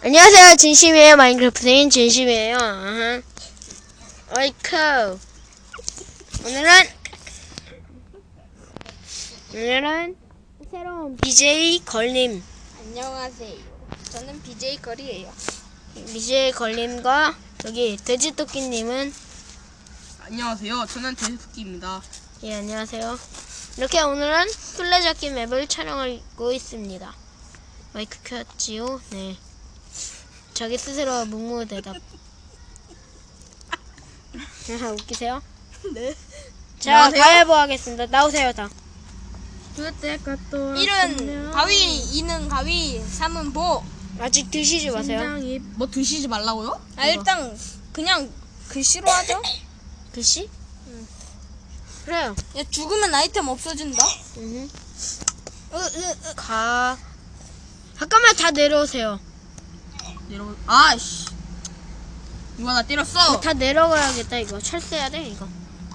안녕하세요. 진심이에요. 마인크래프트인 진심이에요. 어이쿠. 오늘은 새로운 BJ 걸림. 안녕하세요. 저는 BJ 걸이에요. BJ 걸림과 여기 돼지토끼님은 안녕하세요. 저는 돼지토끼입니다. 예, 안녕하세요. 이렇게 오늘은 술래잡기 맵을 촬영하고 있습니다. 마이크 켰지요? 네. 자기 스스로 묵무대답. 웃기세요? 네. 자, 안녕하세요. 가위바위보 하겠습니다. 나오세요, 다. 1은 가위, 2는 가위, 3은 보. 아직 드시지 마세요. 뭐 드시지 말라고요? 아, 일단 그냥 글씨로 하죠. 글씨? 그래요. 야, 죽으면 아이템 없어진다. 잠깐만 다 내려오세요. 여러분, 아이씨. 누가 나 때렸어? 다 내려가야겠다, 이거. 철새야 돼, 이거.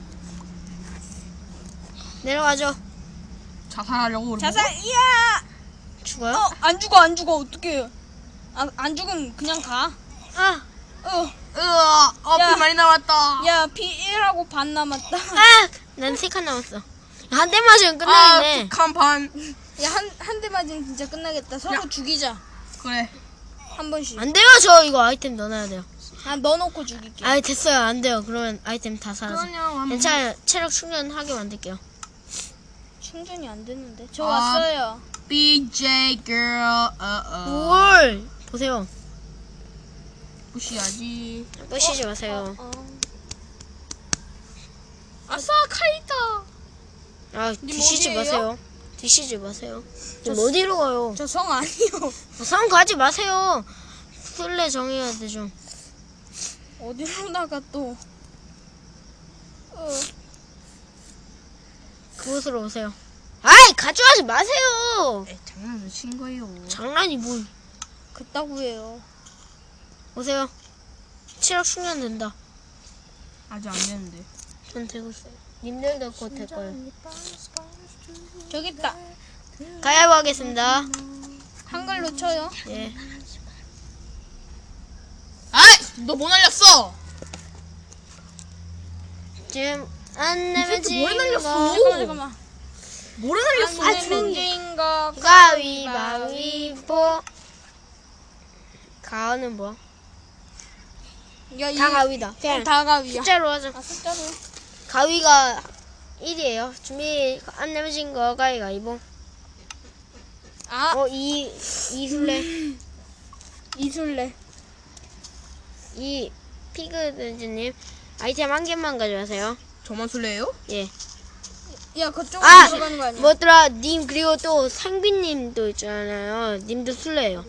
내려가죠. 자살하려고 그러는 자살, 이야! 죽어요? 안 죽어, 어떡해. 안 죽으면 그냥 가. 아! 거? 피 야. 많이 남았다. 야, P1하고 반 남았다. 아! 난 3칸 남았어. 한 대 맞으면 끝나겠네. 북한 반. 야, 한 대 맞으면 진짜 끝나겠다. 서로 죽이자. 그래. 한 번씩. 안 돼요, 저 이거 아이템 넣어놔야 돼요. 아, 넣어놓고 죽일게. 아, 됐어요. 안 돼요. 그러면 아이템 다 사라져. 괜찮아요. 체력 충전하게 만들게요. 충전이 안 되는데. 저 아. 왔어요. BJ girl. 뭘! 보세요. 무시하지. 끄시지 마세요. 아싸 카이다. 아, 드시지 어디예요? 마세요. 드시지 마세요. 저 어디로 가요? 저 성 아니요. 상 가지 마세요. 술래 정해야 되죠. 어디로 나가 또. 그곳으로 오세요. 아이, 가져가지 마세요. 장난을 친 거예요. 장난이 뭘. 그따구예요. 오세요. 체력 충전된다. 아직 안 되는데. 전 되고 있어요. 님들도 곧 될 거예요. 저기 있다. 가위바위보 하겠습니다. 한글로 쳐요. 예. 아이, 너 뭐 날렸어? 지금 안 내면 새끼 뭘 날렸어? 잠깐만. 뭐를 날렸어? 안 내면 거. 가위바위보. 가는 뭐야? 야, 다 가위다. 그냥 다 가위야. 숫자로 하자. 아, 숫자로. 가위가 1이에요. 준비 안 내면 진 거 가위바위보. 아, 이술래. 이술래. 이 피그든지님 아이템 한 개만 가져가세요. 저만 술래예요? 예. 야, 그쪽으로 아! 들어가는 거 아니야? 뭐더라, 님, 그리고 또 상빈님도 있잖아요. 님도 술래예요.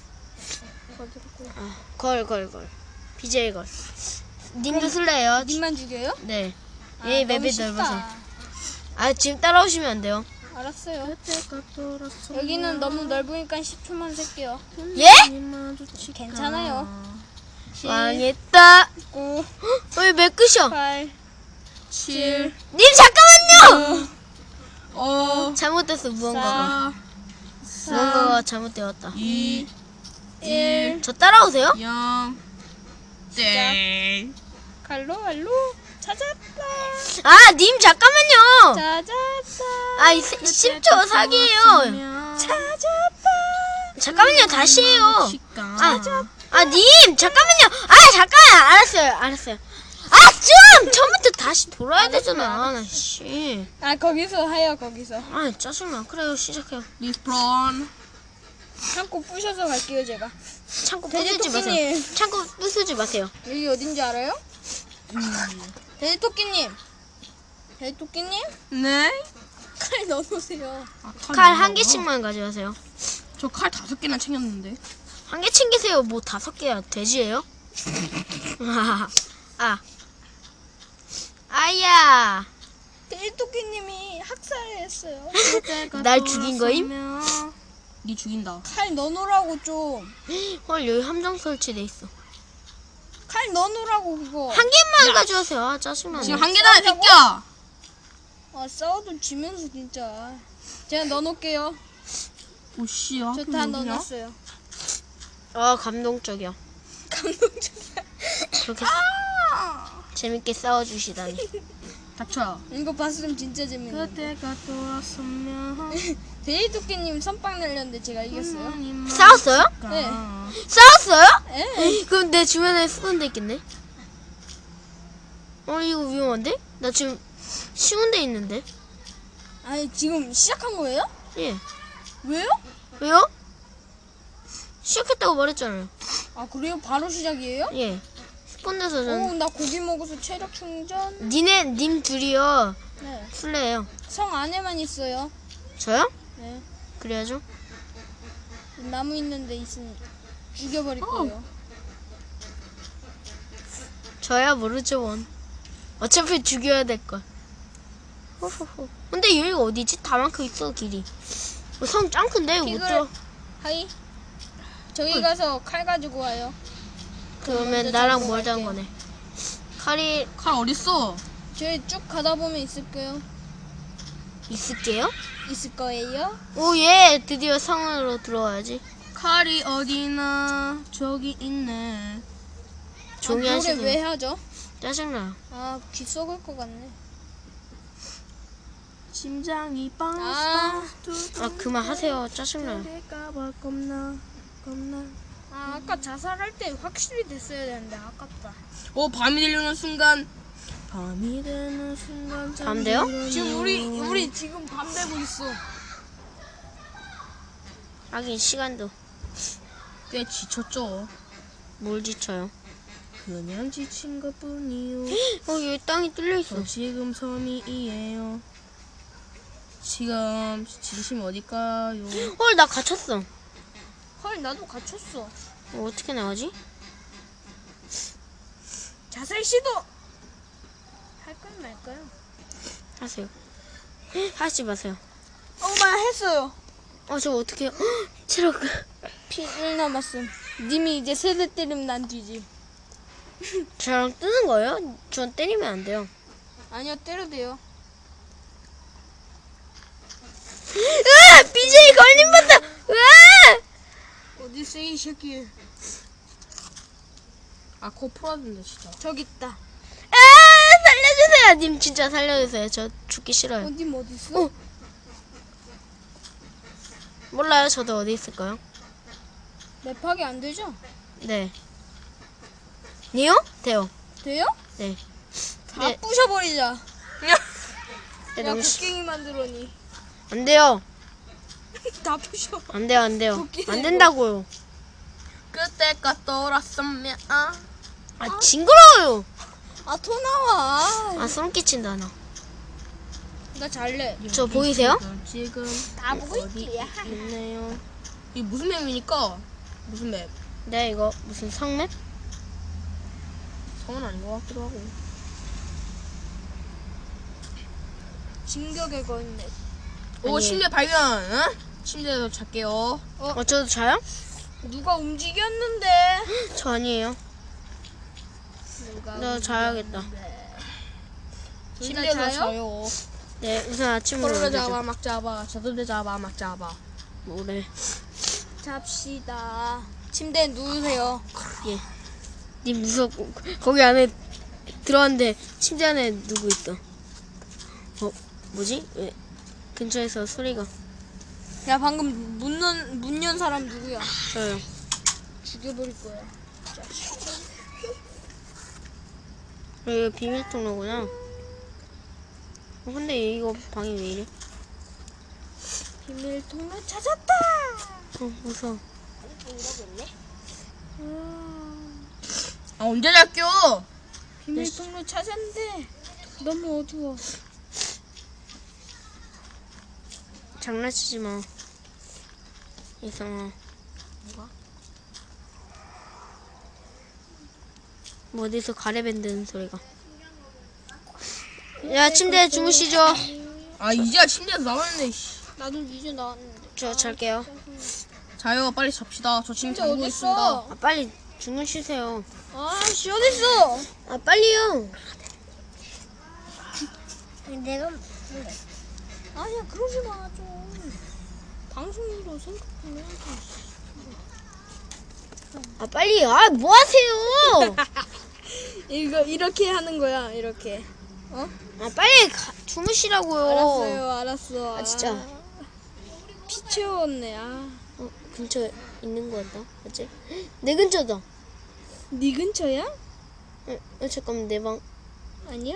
걸. BJ 걸. 님도 술래예요. 님만 죽여요? 네. 아, 예, 너무 맵이 쉽다. 넓어서. 아, 지금 따라오시면 안 돼요. 알았어요. 여기는 너무 넓으니까 10초만 셀게요. 예? 괜찮아요. 망했다. 9, 왜 끝이야? 8, 7, 님, 잠깐만요! 잘못됐어, 무언가가. 4, 무언가가 잘못되었다. 2, 1. 저 따라오세요? 0, 땡. 갈로. 찾았다. 아, 님, 잠깐만요! 찾았다. 아, 10초 사기예요. 찾았다. 잠깐만요, 다시 해요. 식감. 님, 잠깐만요. 잠깐. 알았어요. 처음부터 다시 돌아야 되잖아. 나, 씨. 아, 거기서 해요, 거기서. 짜증나. 그래요, 시작해요. 리스폰. 창고 부셔서 갈게요, 제가. 창고 부수지 마세요. 돼지토끼님. 창고 부수지 마세요. 여기 어딘지 알아요? 돼지토끼님. 네? 칼 넣어놓으세요. 칼 한 개씩만 가져가세요. 저 칼 5개나 챙겼는데. 한 개 챙기세요. 뭐 5개야. 돼지예요? 아야. 돼지토끼님이 학살했어요. 날 죽인 거임? 니 죽인다. 칼 넣어놓으라고 좀. 헐, 여기 함정 설치돼 있어. 칼 넣어놓으라고 그거. 한 개만 가져가세요. 짜증나. 지금 한 개나 비켜. 아, 싸워도 지면서 진짜. 제가 넣어놓을게요. 오씨야. 저 다 넣어놨어요. 아, 감동적이야. 감동적이야. 그렇게 아! 재밌게 싸워주시다니. 닥쳐. 이거 봤으면 진짜 재밌네. 그때가 돌았으면 돼지토끼님 선빵 날렸는데 제가 이겼어요. 싸웠어요? 네. 싸웠어요? 네. 그럼 내 주변에 수건 데 있겠네? 이거 위험한데? 나 지금 쉬운 데 있는데? 아니 지금 시작한 거예요? 예. 왜요? 왜요? 시작했다고 말했잖아요. 아 그래요? 바로 시작이에요? 예. 스폰에서 전 나 고기 먹어서 체력 충전. 님 둘이요. 네. 술래예요. 성 안에만 있어요. 저요? 네. 그래야죠. 나무 있는데 있으니 죽여버릴 거예요. 저야 모르죠 원. 어차피 죽여야 될 걸. 호호호. 근데 여기가 어디지? 다만큼 있어 길이. 성 짱 큰데 못 피글. 들어. 하이. 저기 가서 칼 가지고 와요. 그러면 먼저 나랑 잡으러 멀다는 갈게요. 거네. 칼이 칼 어딨어? 저희 쭉 가다 보면 있을 거예요. 있을게요? 있을 거예요. 오, 예. 드디어 성으로 들어와야지. 칼이 어디나 저기 있네. 종이 노래 하시네요. 왜 하죠? 짜증나요. 아, 귀 썩을 것 같네. 심장이 아. 아, 그만하세요. 짜증나요. 될까봐 겁나. 아까 자살할 때 확실히 됐어야 되는데 아깝다. 밤이 되려는 순간. 밤이 되는 순간. 밤 돼요? 지금 우리 지금 밤 되고 있어. 하긴 시간도 꽤 지쳤죠. 뭘 지쳐요. 그냥 지친 것뿐이요. 여기 땅이 뚫려있어. 저 지금 섬이에요. 지금 진심 어딜까요? 헐, 나 갇혔어. 헐, 나도 갇혔어. 어떻게 나가지? 자살 시도. 할까요 말까요? 하세요. 하지 마세요. 엄마 했어요. 저 어떻게 해요? 체력. 피 1 남았음. 님이 이제 세대 때리면 난 뒤지. 저랑 뜨는 거예요? 전 때리면 안 돼요. 아니요, 때려도 돼요. 으아! BJ 걸림받다! 으아! 어디 있어 이 새끼. 코 풀어준다 진짜. 저기 있다. 아! 살려주세요! 님 진짜 살려주세요. 저 죽기 싫어요. 님 어디 있어? 몰라요. 저도 어디 있을까요? 랩하기 안 되죠? 네. 니요? 돼요. 돼요? 네. 다 네. 부셔버리자. 네, 야, 너무 곡괭이 만들어니. 안 돼요. 다 부셔. 안 돼요. 안 돼요. 웃기네, 안 된다고요. 그때가 돌았으면 아, 징그러워요. 아, 토 나와. 아, 소름 끼친다, 나. 나 잘래. 저 보이세요? 지금 다 보고 어디 있지. 있네요. 이 무슨 맵입니까? 무슨 맵? 네, 이거 무슨 성맵? 성은 아닌 것 같기도 하고. 진격의 거인네. 오 아니. 침대 발견. 응? 침대에서 잘게요. 저도 자요? 누가 움직였는데? 저 아니에요. 누가 나 자야겠다. 침대에서 자요? 자요. 네, 우선 아침으로 서로 만들죠. 잡아 막 잡아. 저도 잡아 막 잡아. 뭐래. 잡시다. 침대에 누우세요. 예. 님 무섭고 거기 안에 들어왔는데 침대 안에 누구 있어? 뭐지? 왜 근처에서 소리가. 야, 방금 문 연 사람 누구야? 저요. 죽여버릴 거야. 여기 비밀 통로구나. 근데 이거 방이 왜 이래? 비밀 통로 찾았다. 무서워. 언제 잘게요? 비밀 통로 찾았는데 너무 어두워. 장난치지 마. 이상아. 뭐 어디서 가래 밴드는 소리가. 야, 침대에 주무시죠. 이제야 침대에서 나왔네. 나도 이제 나왔는데. 저 잘게요. 자요 빨리 잡시다. 저 지금 진짜 자고 있습니다. 어딨어? 빨리 주무시세요. 아씨, 어딨어? 빨리요. 내가 아니야, 그러지 마, 좀. 방송으로 생각 좀 해야지. 아 빨리 뭐 하세요? 이거 이렇게 하는 거야. 이렇게. 어? 아 빨리 주무시라고요. 알았어요. 알았어. 아, 진짜. 피 채웠네. 아. 근처에 있는 거 같다. 맞지? 내 근처다. 네 근처야? 잠깐만 내 방. 아니야.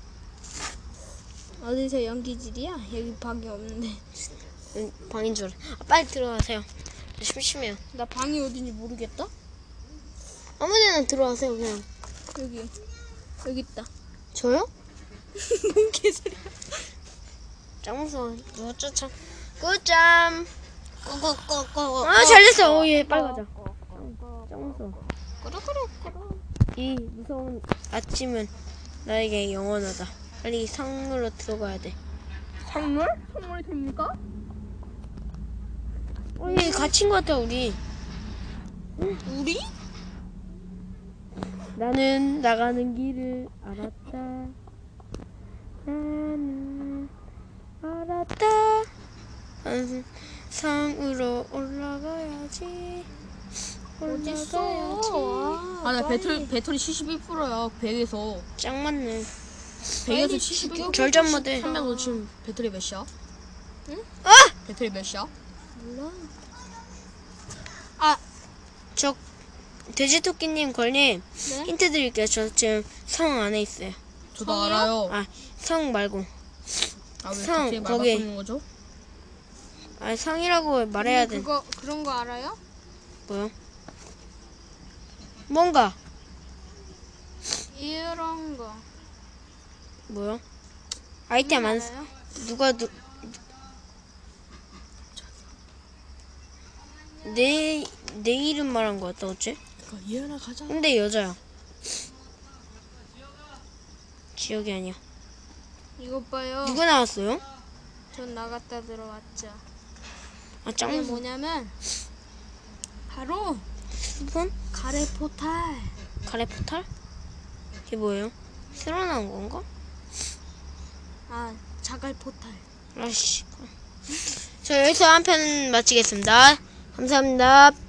어디서 연기질이야? 여기 방이 없는데. 방인 줄 알아. 빨리 들어가세요. 심심해요. 나 방이 어딘지 모르겠다. 아무데나 들어가세요 그냥. 여기 있다. 저요? 뭔 개소리야? 짱 무서워. 누가 쫓아. 꿀잠. 꼬꼬꼬꼬. 잘됐어. 오예 빨리 가자. 짱 무서워. 이 무서운 아침은 나에게 영원하다. 빨리 상으로 들어가야 돼. 선물? 선물이 됩니까? 우리 갇힌 것 같아 우리. 우리? 나는 나가는 길을 알았다. 나는 알았다. 상으로 올라가야지. 어딨어? 아, 나 배터리 71%야. 100에서. 짱 맞네. 100에서 71%. 절전 모드. 300너 지금 배터리 몇이야? 응? 배터리 몇이야? 몰라. 저 돼지토끼님 걸님 네? 힌트 드릴게요. 저 지금 성 안에 있어요. 저도 성이요? 알아요. 성 말고. 아, 왜 성, 갑자기 말 거기. 바꾸는 거죠? 성이라고 말해야 돼. 그런 거 알아요? 뭐요? 뭔가 이런 거. 뭐요? 아이템 안 알아요? 누가 내 이름 말한 거 같다 어째? 그러니까 이해나 가자. 근데 여자야. 지역이 아니야. 이것 봐요. 누가 나왔어요? 전 나갔다 들어왔죠. 이게 짱 뭐냐면 바로 스폰? 가래 포탈. 가래 포탈? 이게 뭐예요? 새로 나온 건가? 아, 자갈 포탈. 아씨. 저 여기서 한 편 마치겠습니다. 감사합니다.